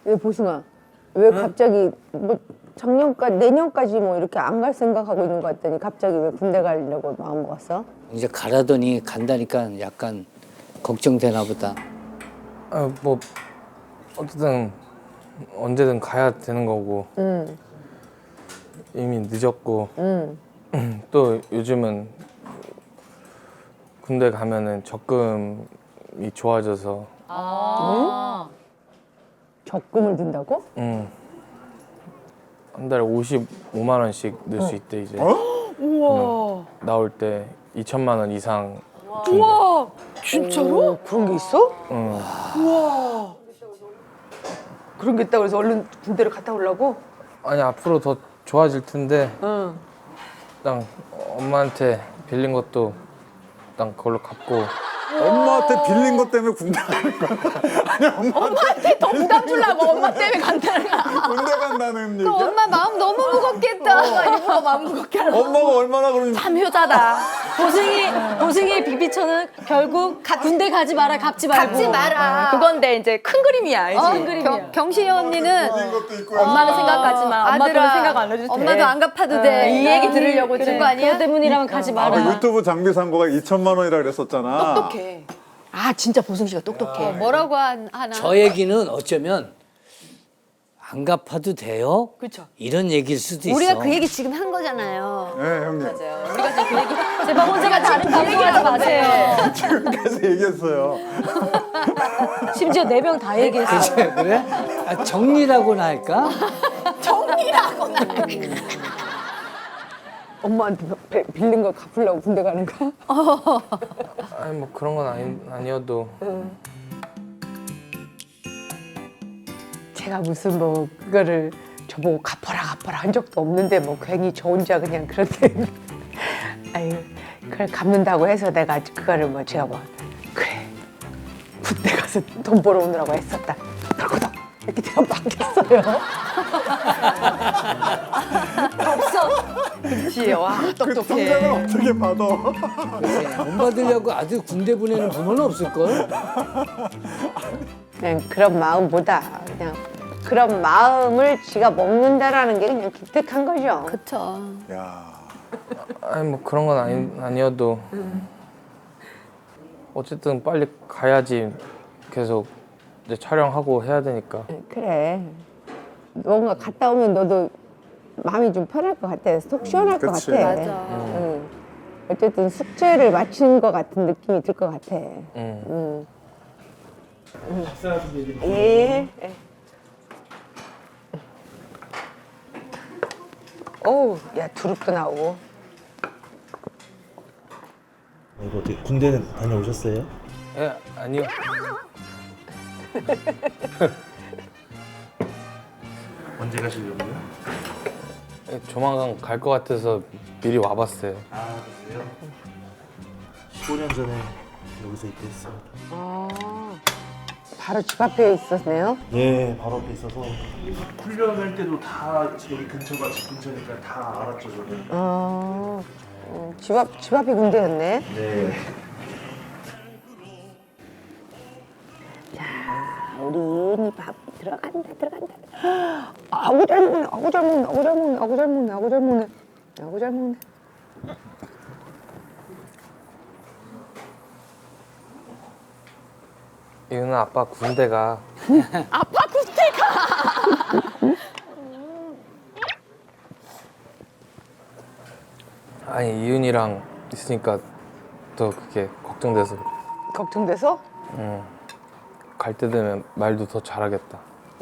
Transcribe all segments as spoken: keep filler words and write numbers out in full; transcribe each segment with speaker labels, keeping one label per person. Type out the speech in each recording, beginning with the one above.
Speaker 1: 왜 보승아? 왜 갑자기 뭐 작년까지 내년까지 뭐 이렇게 안 갈 생각하고 있는 것 같더니 갑자기 왜 군대 가려고 마음 먹었어?
Speaker 2: 이제 가라더니 간다니까 약간 걱정되나 보다.
Speaker 3: 아, 뭐 어쨌든 언제든 가야 되는 거고
Speaker 1: 응,
Speaker 3: 이미 늦었고
Speaker 1: 응.
Speaker 3: 또 요즘은 군대 가면은 적금이 좋아져서
Speaker 4: 아.
Speaker 1: 적금을 든다고?
Speaker 3: 음, 한 달에 오십오만 원씩 넣을 수 있대 이제.
Speaker 4: 우와.
Speaker 3: 나올 때 이천만 원 이상.
Speaker 4: 우와. 진짜로?
Speaker 1: 오, 그런 게 있어?
Speaker 3: 응.
Speaker 4: 우와.
Speaker 1: 그런 게 있다고 해서 얼른 군대를 갔다 오려고?
Speaker 3: 아니 앞으로 더 좋아질 텐데
Speaker 1: 응.
Speaker 3: 일단 엄마한테 빌린 것도 일단 그걸로 갚고.
Speaker 5: 엄마한테 빌린 것 때문에 군대 가는 거야. 아니 엄마
Speaker 4: 엄마한테 더 부담 주려고 엄마 때문에 간다는 거야.
Speaker 5: 군대 간다는 얘기야?
Speaker 4: 엄마 마음 너무 무겁겠다. 엄마 일부러 마음 무겁게 하는
Speaker 5: 엄마가 얼마나 그런지.
Speaker 6: 참 효자다. 보승이 보승이 비비처는 결국 가- 군대 가지 마라, 갚지 말고.
Speaker 4: 갚지 마라.
Speaker 6: 그건데 이제 큰 그림이야, 알지? 큰 그림이야.
Speaker 4: 경, 경신이 언니는
Speaker 5: 빌린 것도 있고.
Speaker 6: 엄마는 생각하지 마. 엄마들은 생각 안 해도 돼.
Speaker 4: 엄마도 안 갚아도 돼. 이 얘기 들으려고 준 거 아니야?
Speaker 6: 그거 때문이라면 가지
Speaker 5: 아,
Speaker 6: 마라.
Speaker 5: 그 유튜브 장비 산 거가 이천만 원이라 그랬었잖아.
Speaker 4: 똑똑해. 아 진짜 보승 씨가 똑똑해. 뭐라고 한, 하나?
Speaker 2: 저 얘기는 어쩌면 안 갚아도 돼요?
Speaker 4: 그렇죠.
Speaker 2: 이런 얘기일 수도 있어.
Speaker 4: 우리가 그 얘기 지금 한 거잖아요.
Speaker 5: 네 형님.
Speaker 6: 제발 혼자가 다른 방송하지 마세요.
Speaker 5: 지금까지 얘기했어요.
Speaker 6: 심지어 네 명 다 얘기했어.
Speaker 2: 그래? 그래? 아, 정리라고나 할까?
Speaker 1: 엄마한테 배- 빌린 거 갚으려고 군대 가는 거야?
Speaker 3: 아니 뭐 그런 건 아니, 아니어도
Speaker 1: 제가 무슨 뭐 그거를 저보고 갚아라 갚아라 한 적도 없는데 뭐 괜히 저 혼자 그냥 그런데 아유 그걸 갚는다고 해서 내가 그거를 뭐 제가 뭐 그래 군대 가서 돈 벌어오느라고 했었다 덜커덕 이렇게 제가 맡겼어요.
Speaker 4: 그렇지. 와
Speaker 5: 그
Speaker 4: 똑똑해.
Speaker 5: 통장을 어떻게 받아?
Speaker 2: 그치? 돈 받으려고 아들 군대 보내는 부모는 없을걸?
Speaker 1: 그냥 그런 마음보다 그냥 그런 마음을 지가 먹는다라는 게 그냥 기특한 거죠.
Speaker 4: 그쵸.
Speaker 5: 야.
Speaker 3: 아니 뭐 그런 건 아니, 아니어도 어쨌든 빨리 가야지. 계속 이제 촬영하고 해야 되니까.
Speaker 1: 그래. 뭔가 갔다 오면 너도 마음이 좀 편할 것 같아. 속 시원할 것
Speaker 5: 그치.
Speaker 1: 같아.
Speaker 4: 맞아.
Speaker 1: 응. 어쨌든 숙제를 마친 것 같은 느낌이 들 것 같아.
Speaker 3: 응.
Speaker 1: 응. 예. 예. 어우, 야 두릅도 나오고.
Speaker 7: 이거 어떻게 군대는 다녀오셨어요?
Speaker 3: 예, 아니요.
Speaker 7: 언제 가시려고요?
Speaker 3: 예, 조만간 갈 것 같아서 미리 와봤어요.
Speaker 7: 아 그래요? 십오 년 전에 여기서 입대했습니다.
Speaker 1: 아, 바로 집 앞에 있었네요.
Speaker 7: 예, 바로 앞에 있어서 훈련할 때도 다 여기 근처가 집 근처니까 다 알았죠 저는.
Speaker 1: 아, 음, 집 앞, 집 앞이 군대였네.
Speaker 7: 네.
Speaker 1: 우리 이은이 밥 들어간다 들어간다. 아구 잘 먹네 아구 잘 먹네 아구 잘 먹네 아구 잘 먹네 아구 잘 먹네 아구 잘 먹네.
Speaker 3: 이유는 아빠 군대가.
Speaker 4: 아빠 군대가.
Speaker 3: 아니 이윤이랑 있으니까 더 그게 걱정돼서 그래.
Speaker 1: 걱정돼서?
Speaker 3: 갈 때 되면 말도 더 잘하겠다.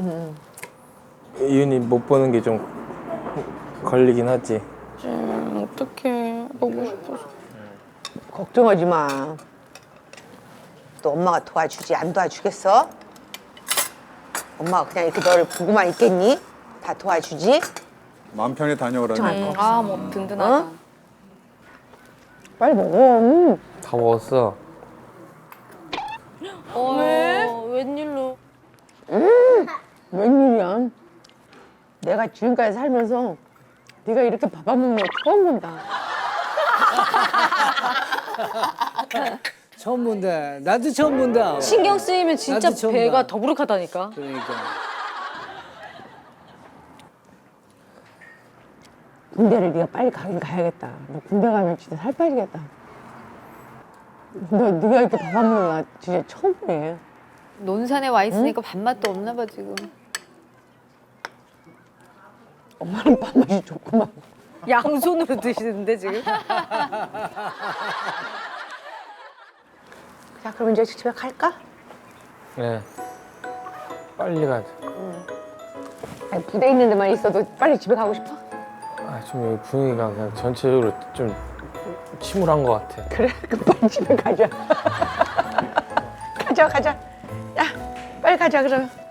Speaker 3: 이윤이 못 보는 게 좀 걸리긴 하지.
Speaker 4: 어떡해. 보고 싶어서.
Speaker 1: 걱정하지 마. 또 엄마가 도와주지 안 도와주겠어? 엄마가 그냥 이렇게 너를 보고만 있겠니? 다 도와주지?
Speaker 5: 마음 편히 다녀오라니.
Speaker 4: 아 뭐 든든하다.
Speaker 1: 어? 빨리 먹어. 음.
Speaker 3: 다 먹었어.
Speaker 6: 왜? 웬일로?
Speaker 1: 웬일이야? 내가 지금까지 살면서 네가 이렇게 밥 안 먹는 거 처음 본다.
Speaker 2: 처음 본다. 나도 처음 본다.
Speaker 6: 신경 쓰이면 진짜
Speaker 2: 나도 처음
Speaker 6: 배가
Speaker 2: 봐.
Speaker 6: 더부룩하다니까.
Speaker 2: 그러니까.
Speaker 1: 군대를 네가 빨리 가긴 가야겠다. 너 군대 가면 진짜 살 빠지겠다. 너 네가 이렇게 밥 안 먹는 나 진짜 처음 보네.
Speaker 4: 논산에 와 있으니까 밥맛도 없나 봐 지금.
Speaker 1: 엄마는 밥맛이 좋구만.
Speaker 6: 양손으로 드시는데 지금.
Speaker 1: 자, 그럼 이제 집에 갈까?
Speaker 3: 네. 빨리 가자.
Speaker 1: 아니, 부대 있는 데만 있어도 빨리 집에 가고 싶어?
Speaker 3: 아, 좀 여기 분위기가 그냥 전체적으로 좀 침울한 것 같아.
Speaker 1: 그래, 그럼 빨리 집에 가자. 가자, 가자. 야, 빨리 가자, 그럼.